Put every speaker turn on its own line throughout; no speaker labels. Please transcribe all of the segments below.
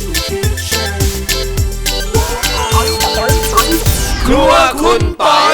ครัวคุณปอย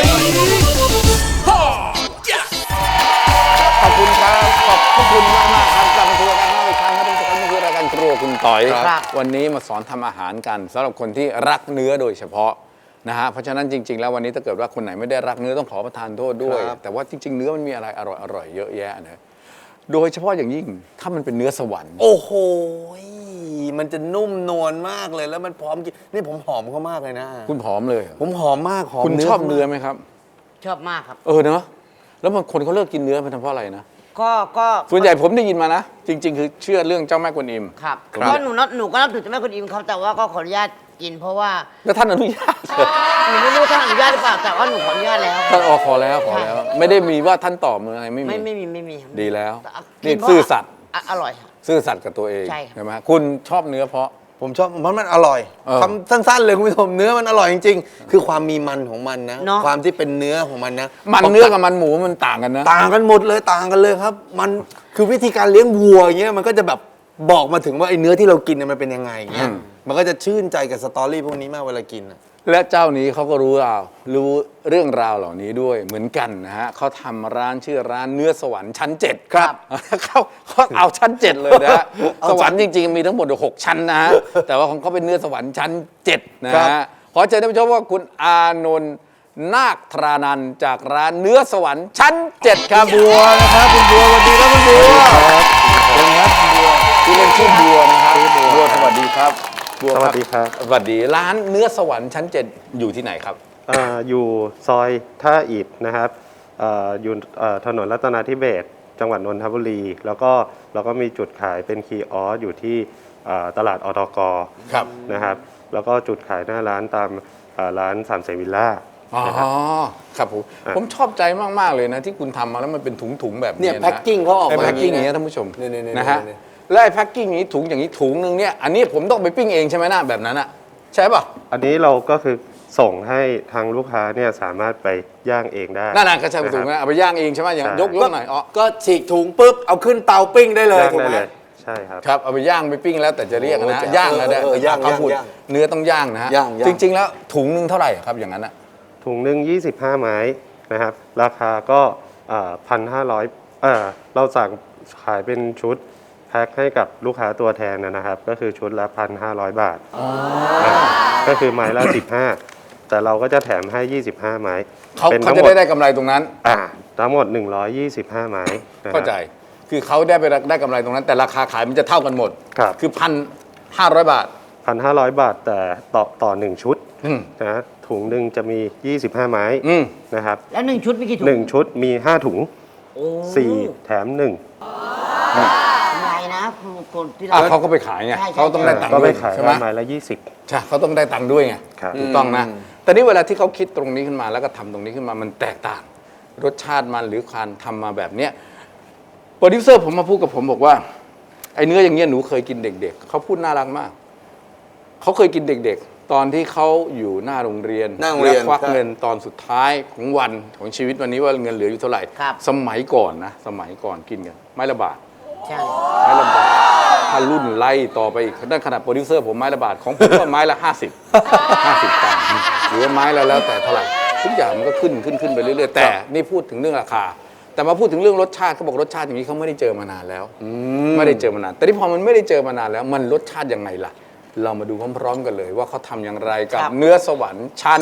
ขอบคุณครับขอบคุณมากครับกลับมาทัวร์กันอีกครั้งครับทุกท่านนี่คือรายการครัวคุณต่อยวันนี้มาสอนทำอาหารกันสำหรับคนที่รักเนื้อโดยเฉพาะนะฮะเพราะฉะนั้นจริงๆแล้ววันนี้ถ้าเกิดว่าคนไหนไม่ได้รักเนื้อต้องขอประทานโทษด้วยแต่ว่าจริงๆเนื้อมันมีอะไรอร่อยๆเยอะแยะนะโดยเฉพาะอย่างยิ่งถ้ามันเป็นเนื้อสวรรค์
โอ้โหมันจะนุ่มนวลมากเลยแล้วมันพร้อมกินนี่ผมหอมเขามากเลยนะ
คุณผอมเลย
ผมหอมมากหอม
คุณชอบเนื้อไหมครับ
ชอบมากครับ
เนอะแล้วบางคนเขาเลิกกินเนื้อเป็นเพราะอะไรนะ
ก็
ส่วนใหญ่ผมได้ยินมานะจริงๆคือเชื่อเรื่องเจ้าแม่กวนอิม
ครับเพราะหนูก็นับถือเจ้าแม่กวนอิมครับแต่ว่าก็ขออนุญาตกินเพราะว่า
แล้วท่านอนุญาต
หนูไม่รู้ท่านอนุญาตหรือเปล่าแต่ว่าหนูขออนุญาตแล้ว
ท่านขอแล้วไม่ได้มีว่าท่านตอบมืออะไรไม่
มี
ดีแล้วนี่ซื่อสัตย์
อร่อย
ซื่อสัตย์กับตัวเองใช่ไหมคุณชอบเนื้อเพราะ
ผมชอบเพราะมันอร่อยคำสั้นๆเลยคุณผู้ชมเนื้อมันอร่อยจริงๆคือความมีมันของมันนะความที่เป็นเนื้อของมันนะ
มันเนื้อกับมันหมูมันต่างกันนะ
ต่างกันหมดเลยต่างกันเลยครับมันคือวิธีการเลี้ยงวัวอย่างเงี้ยมันก็จะแบบบอกมาถึงว่าไอ้เนื้อที่เรากินมันเป็นยังไงเงี้ยมันก็จะชื่นใจกับสตอรี่พวกนี้มากเวลากิน
และเจ้านี้เขาก็รู้เรื่องราวเหล่านี้ด้วยเหมือนกันนะฮะเขาทำร้านชื่อร้านเนื้อสวรรค์ชั้น7ครับเขาเอาชั้น7เลยนะฮะสวรรค์จริงๆมีทั้งหมด6ชั้นนะฮะแต่ว่าของเขาเป็นเนื้อสวรรค์ชั้น7นะฮะขอเชิญท่านผู้ชมว่าคุณอานนท์นาคธรานันท์จากร้านเนื้อสวรรค์ชั้น7ครับ
บัวนะครับคุณบัวสวัสดีครับคุณบัว
ครับเป็นครับบัวที่เล่นชื่อบัวนะครับบัวสวัสดีครับ
สวัสดีครับ
สวัสดีร้านเนื้อสวรรค์ชั้น7อยู่ที่ไหนครับ
อยู่ซอยท่าอิฐนะครับอยู่ถนนรัตนาธิเบศรจังหวัดนนทบุรีแล้วก็เราก็มีจุดขายเป็นคีออสอยู่ที่ตลาดอตกนะครับแล้วก็จุดขายหน้าร้านตามร้านสามเสนวิลล่า
อ๋อครับผมชอบใจมากๆเลยนะที่คุณทำมาแล้วมันเป็นถุงๆแบบนี้
เนี่ยแพ็คกิ้งเขาออกมา
แพ็คกิ้งอย่างเงี้ยท่านผู้ชมนะฮะแล้วไอ้แพ็คกิ้งนี้ถุงอย่างนี้ถุงนึงเนี่ยอันนี้ผมต้องไปปิ้งเองใช่ไหมนะแบบนั้นอะใช่ป่ะ
อันนี้เราก็คือส่งให้ทางลูกค้าเนี่ยสามารถไปย่างเองได้
นั่นก็ใช่ถุงนะเอาไปย่างเองใช่ไหมอย่างยกหน่อย
ก็ฉีกถุงปุ๊บเอาขึ้นเตาปิ้งได้เลยถูกไหม
ใช่ครับ
ครับเอาไปย่างไปปิ้งแล้วแต่จะเรียกนะย่างนะ
ย่าง
เนื้อต้องย่างนะฮะจริงๆแล้วถุงนึงเท่าไหร่ครับอย่างนั้นอะ
ถุงหนึ่ง25 ไม้นะครับราคาก็1,500เราสั่งขายเป็นชุดแพ็คให้กับลูกค้าตัวแทนนะครับก็คือชุดละ1,500 บาทก็คือไม้ละ15แต่เราก็จะแถมให้25 ไม้
เขาจะได้กำไรตรงนั้น
ทั้งหมด125 ไม้
เข้าใจคือเขาได้กำไรตรงนั้นแต่ราคาขายมันจะเท่ากันหมดคือ1,500 บาท
1,500 บาทแต่ต่อ1ชุดนะถุงหนึ่งจะมี25 ไม้นะครับ
แล้ว1ชุดมีกี่ถุง
1ชุดมี5ถุง4แถม1
นะคนที่
เขาก็ไปขายไงเขาต้องได้ตังค์ด้วย
ใช่ไหมไม้ละ20
ใช่เขาต้องได้ตังค์ด้วยไงถูกต้องนะแต่นี่เวลาที่เขาคิดตรงนี้ขึ้นมาแล้วก็ทำตรงนี้ขึ้นมามันแตกต่างรสชาติมันหรือการทำมาแบบเนี้ยโปรดิวเซอร์ผมมาพูดกับผมบอกว่าไอ้เนื้ออย่างเงี้ยหนูเคยกินเด็กๆเขาพูดน่ารักมากเขาเคยกินเด็กๆตอนที่เขาอยู่หน้าโรงเรียนและควักเงินตอนสุดท้ายของวันของชีวิตวันนี้ว่าเงินเหลืออยู่เท่าไหร่สมัยก่อนกินกันไม้ละบาทไม้ละบาทถ้ารุ่นไล่ต่อไปอีกด้านขนาดโปรดิวเซอร์ผมไม้ละบาทของผมก็ไม้ละ50ตังค์หรือว่าไม้ละแล้วแต่เท่าไหร่ทุกอย่างมันก็ขึ้นไปเรื่อยๆแต่นี่พูดถึงเรื่องราคาแต่มาพูดถึงเรื่องรสชาติเขาบอกรสชาติอย่างนี้เขาไม่ได้เจอมานานแล้วไม่ได้เจอมานานแต่ที่พอมันไม่ได้เจอมานานแล้วมันรสชาติยังไงล่ะเรามาดูพร้อมๆกันเลยว่าเขาทำอย่างไรกับเนื้อสวรรค์ชั้น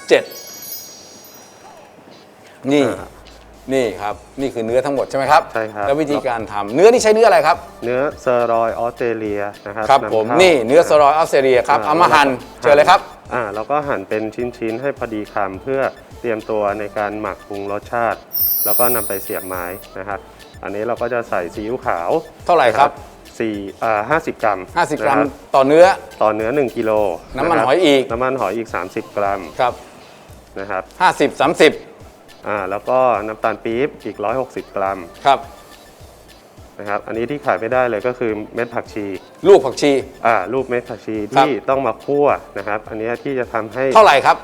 7นี่ครับนี่คือเนื้อทั้งหมดใช่ไหมครับ
ใช่ครับ
แล้ววิธีการทำเนื้อนี่ใช้เนื้ออะไรครับ
เนื้อเซอร์รอยออสเตรเลียนะครับ
ครับผมนี่เนื้อเซอร์รอยออสเตรเลียครับเอามาหั่นเชิญเลยครับ
แล้วก็หั่นเป็นชิ้นๆให้พอดีคำเพื่อเตรียมตัวในการหมักปรุงรสชาติแล้วก็นำไปเสียบไม้นะครับอันนี้เราก็จะใส่ซีอิ๊วขาว
เท่าไหร่ครับ
50 กรัม
50 กรัมต่อเนื้อ
1กิโล
น้ำมันหอยอีก
30 กรัม
ครับ
นะครับ
30
แล้วก็น้ำตาลปี๊บอีก160 กรัม
ครับ
นะครับอันนี้ที่ขายไม่ได้เลยก็คือเม็ดผักชี
ลูกผักชี
ลูกเม็ดผักชีที่ต้องมาคั่วนะครับอันนี้ที่จะทำให้
เท่าไหร่ครับ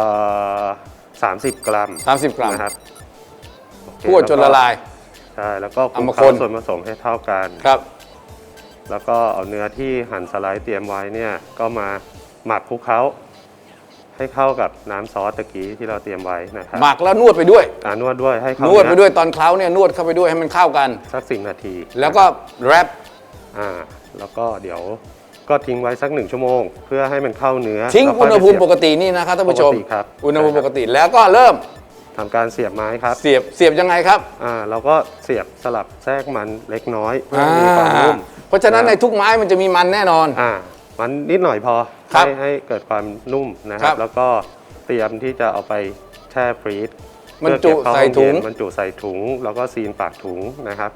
30 กรัม
นะครับคั่วจนละลาย
ใช่แล้วก็คลุกเคล้าส่วนผสมให้เท่ากัน
ครับ
แล้วก็เอาเนื้อที่หั่นสไลด์เตรียมไว้เนี่ยก็มาหมักคลุกเคล้าให้เข้ากับน้ำซอสตะกี้ที่เราเตรียมไว้นะครับ
หมักแล้วนวดไปด้วย
นวดด้วยให้เข้าน
วดไปด้วยตอนเคล้าเนี่ยนวดเข้าไปด้วยให้มันเข้ากัน
สัก10 นาที
แล้วก็แรป
แล้วก็เดี๋ยวก็ทิ้งไว้สัก1 ชั่วโมง เพื่อให้มันเข้าเนื้อ
ทิ้ง
แล้ว
อุ
ค่ย
ณห
ไป
ภูมิ
เสียบ
ปกตินี่นะครับท่านผู้ชม
ปกติครับ
อุณหภูมิปกติแล้วก็เริ่ม
ทำการเสียบไม้ครับ
เสียบยังไงครับ
เราก็เสียบสลับแทรกมันเล็กน้อยเพื่อให้มีความนุ่ม
เพราะฉะนั้นในทุกไม้มันจะมีมันแน่นอน
มันนิดหน่อยพอ
ครับ
ให้เกิดความนุ่มนะค
ครั
รับ
บ
แล้วก็เตรียมที่จะเอาไปแช่ฟรีซ
บรรจุ
เพื่อเก็บเข้า
ใส่ถุง
ห้อเย็นบรรจุใส่ถุงแล้วก็ซีนปากถุงนะครับ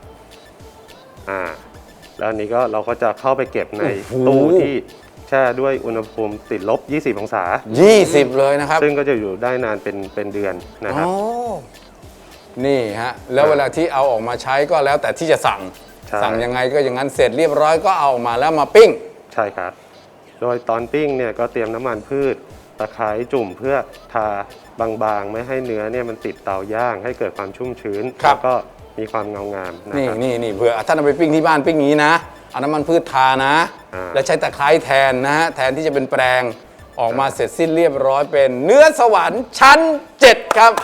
แล้วอันนี้ก็เราก็จะเข้าไปเก็บในตู้ที่แช่ด้วยอุณหภูมิติดลบ 20 องศา
20 เลยนะครับ
ซึ่งก็จะอยู่ได้นานเป็นเดือนนะครับ
นี่ฮะแล้วเวลาที่เอาออกมาใช้ก็แล้วแต่ที่จะสั่ง
ใช่
สั่งยังไงก็อย่างนั้นเสร็จเรียบร้อยก็เอาออกมาแล้วมาปิ้ง
ใช่ครับ โดยตอนปิ้งเนี่ยก็เตรียมน้ำมันพืชตะไคร้จุ่มเพื่อทาบางๆ ไม่ให้เนื้อเนี่ยมันติดเตาย่างให้เกิดความชุ่มชื้น
ครับ
แล้วก็มีความเงางามนะ
นี่
ครับ
นี่เผื่อท่านเอาไปปิ้งที่บ้านปิ้งอย่างนี้นะเอาน้ำมันพืชทานะ แล้วใช้ตะไคร้แทนนะฮะแทนที่จะเป็นแปรงออกมาเสร็จสิ้นเรียบร้อยเป็นเนื้อสวรรค์ชั้น 7 ครับ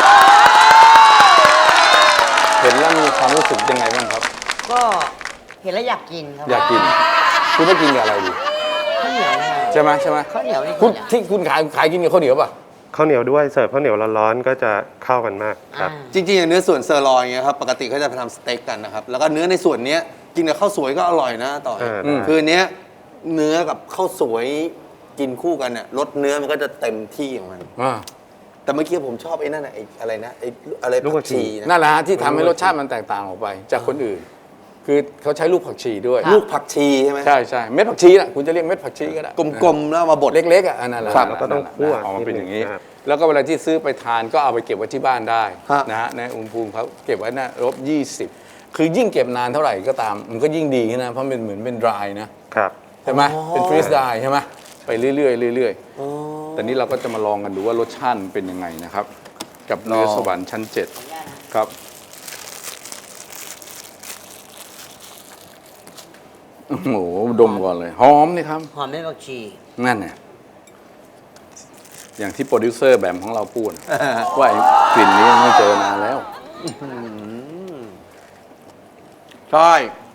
เห็นแล้วมีความรู้สึกยังไงบ้างครับ
ก็เห็นแล้วอยากกินครับ
อยากกิน คุณไม่กินกับอะไรดี
ข้าวเหนียวไง
ใช่ไหม
ข้าวเหนียวนี่
คุณที่คุณขายกินกับข้าวเหนียวป่ะ
ข้าวเหนียวด้วยเสิร์ฟข้าวเหนียวร้อนๆก็จะเข้ากันมากครับ
จริงๆอย่างเนื้อส่วนเซอร์ลอยอย่างเงี้ยครับปกติเขาจะไปทำสเต็กกันนะครับแล้วก็เนื้อในส่วนเนี้ยกินกับข้าวสวยก็อร่อยนะต่อย คือเนี้ยเนื้อกับข้าวสวยกินคู่กันเนี่ยรสเนื้อมันก็จะเต็มที่ของมัน แต่เมื่อกี้ผมชอบไอ้นั่นน่ะไอ้อะไรนะไอ้อะไร
ลูกผักชี
นะ
นั่นแหละฮะที่ทำให้รสชาติมันแตกต่างออกไป จากคนอื่น คือเขาใช้ลูกผักชีด้วย
ลูกผักชีใช่ไหม
ใช่เม็ดผักชีน่ะคุณจะเรียกเม็ดผักชีก็ได้
กลมๆแล้วเอามาบด
เล็กๆอ่ะอันนั้นแหละ
ครับ
นั่น
แล้วก็ต้อง
นั่น
คั่ว
ออกมาเป็นอย่างนี้
นิดนึงครับ
แล้วก็เวลาที่ซื้อไปทานก็เอาไปเก็บไว้ที่บ้านได้
ฮะ
นะฮะในอุณหภูมิเขาเก็บไว้นะลบ20 คือยิ่งเก็บนานเท่าไหร่ก็ตาม มันก็ยิ่งดีนะเพราะมันเหมือนเป็น dry นะครับ ใช่ไหมเป็น freeze dry ใช่ไหมไปเรื่อยๆเรื่อยๆแต่นี้เราก็จะมาลองกันดูว่ารสชาติมันเป็นยังไงนะครับ กับเนื้อสวรรค์ชั้น 7 ครับโอ้โหดมก่อนเลยหอมนี่ครับ
หอมไม่ผักชี
นั่นเนี่ยอย่างที่โปรดิวเซอร์แบบของเราพูด ว่าไอ้กลิ่นนี้ไม่เจอนานแล้ว
ใช่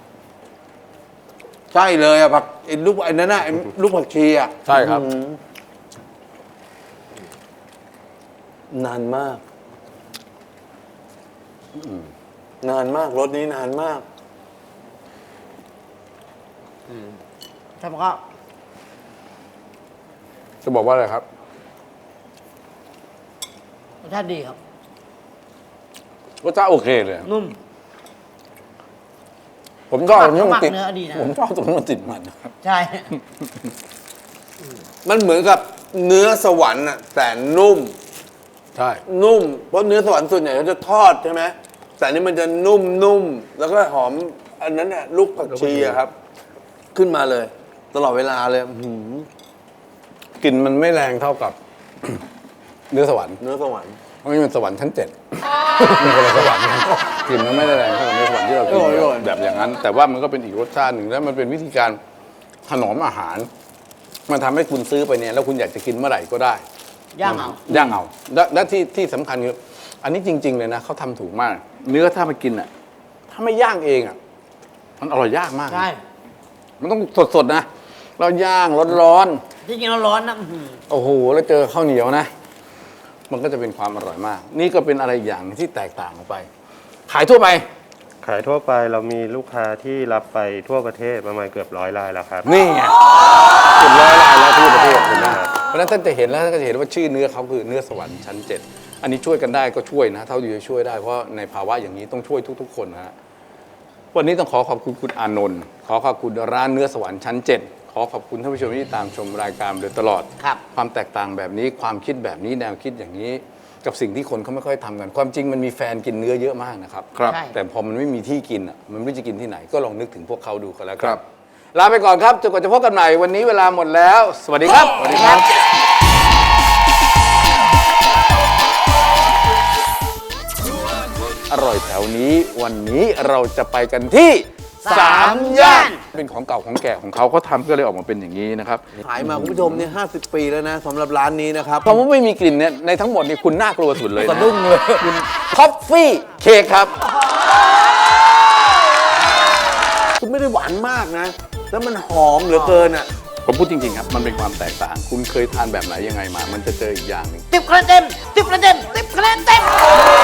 ใช่เลยอะผักไอ้ลูกไอ้นั่นน่ะไอ้ลูกผักชีอะ
ใช่ครับ
นานมากนานมากรสนี้นานมาก
ถ้ามันก็
จะบอกว่าอะไรครับ
รสชาติดีครับ
รสชาติโอเคเลย
นุ่ม
ผมชอบตรงที่
หมั
มัน
ก
ติด
เนื้อดีนะ
ผมชอบตรงที่มันติดมันนะครับ
ใช่
มันเหมือนกับเนื้อสวรรค์อะแต่นุ่ม
ใช่
นุ่ม เพราะเนื้อสวรรค์ส่วนใหญ่เขาจะทอดใช่ไหมแต่อันนี่มันจะนุ่มแล้วก็หอมอันนั้นน่ะลูกผักชีอะครับ ขึ้นมาเลย ตลอดเวลาเลยอื้อหือก
ลิ่นมันไม่แรงเท่ากับ เนื้อสวรรค์
เนื้อสวรรค์
เพราะนี่มันสวรรค์ชั้น 7 มันคนละสวรรค์กันกลิ่นมันไม่ได้แรงเท่ากับเนื้อสวรรค์ที่เรากินแบบอย่างนั้น แต่ว่ามันก็เป็นอีกรสชาติหนึ่งแล้วมันเป็นวิธีการถนอมอาหาร มันทำให้คุณซื้อไปเนี่ยแล้วคุณอยากจะกินเมื่อไหร่ก็ได้
ย่างเอา
ย่างเอาและที่สำคัญคืออันนี้จริง ๆ เลยนะเขาทำถูกมาก เนื้อถ้าไปกินอ่ะ ถ้าไม่ย่างเองอ่ะ มันอร่อยยากมากนะ
ใช่
มันต้องสดๆนะ เราย่างร้อน
ที่จริงร้อนๆนะอื้อหือ
ๆโอ้โหแล้วเจอข้าวเหนียวนะ มันก็จะเป็นความอร่อยมาก นี่ก็เป็นอะไรอย่างหนึ่งที่แตกต่างออกไป ขายทั่วไป
ขายทั่วไปเรามีลูกค้าที่รับไปทั่วประเทศประมาณเกือบ100 รายแล้วครับ
นี่ไงเป็นร้อยรายแล้วทั่วประเทศเห็นไหมเพราะฉะนั้นท่านจะเห็นแล้วท่านก็จะเห็นว่าชื่อเนื้อเขาคือเนื้อสวรรค์ชั้น 7 อันนี้ช่วยกันได้ก็ช่วยนะ เท่าที่จะช่วยได้เพราะในภาวะอย่างนี้ต้องช่วยทุกๆคนนะฮะวันนี้ต้องขอบคุณคุณอานนท์ขอขอบคุณร้านเนื้อสวรรค์ชั้น 7 ขอขอบคุณท่านผู้ชมที่ตามชมรายการมาโดยตลอด
ครับ
ความแตกต่างแบบนี้ความคิดแบบนี้แนวคิดอย่างนี้ กับสิ่งที่คนเขาไม่ค่อยทำกัน ความจริงมันมีแฟนกินเนื้อเยอะมากนะครับ
ครับใช่
แต่พอมันไม่มีที่กินอ่ะมันไม่รู้จะกินที่ไหนก็ลองนึกถึงพวกเขาดูกันแล้วกันลาไปก่อนครับจนกว่าจะพบกันใหม่วันนี้เวลาหมดแล้ว สวัสดีครับสวัสดีครับ อร่อยแถวนี้วันนี้เราจะไปกันที่
3 ย่าน
เป็นของเก่าของแก่ของเขาเขาทำก็เลยออกมาเป็นอย่างนี้นะครับ
ขายมาคุณผู้ชมเนี่ย50 ปีแล้วนะสำหรับร้านนี้นะครับ
คำว่าไม่มีกลิ่นเนี่ยในทั้งหมดนี่คุณน่ากลัวสุดเลยนะ
สะดุ้งเลย
คุณคอฟฟี่เค้กครับ
คุณไม่ได้หวานมากนะ แล้วมันหอมเหลือเกินอ่ะ
ผมพูดจริงๆครับ มันเป็นความแตกต่าง คุณเคยทานแบบไหนยังไงมา มันจะเจออีกอย่างหนึง
10 คะแนนเต็ม 10 คะแนนเต็ม 10 คะแนนเต็ม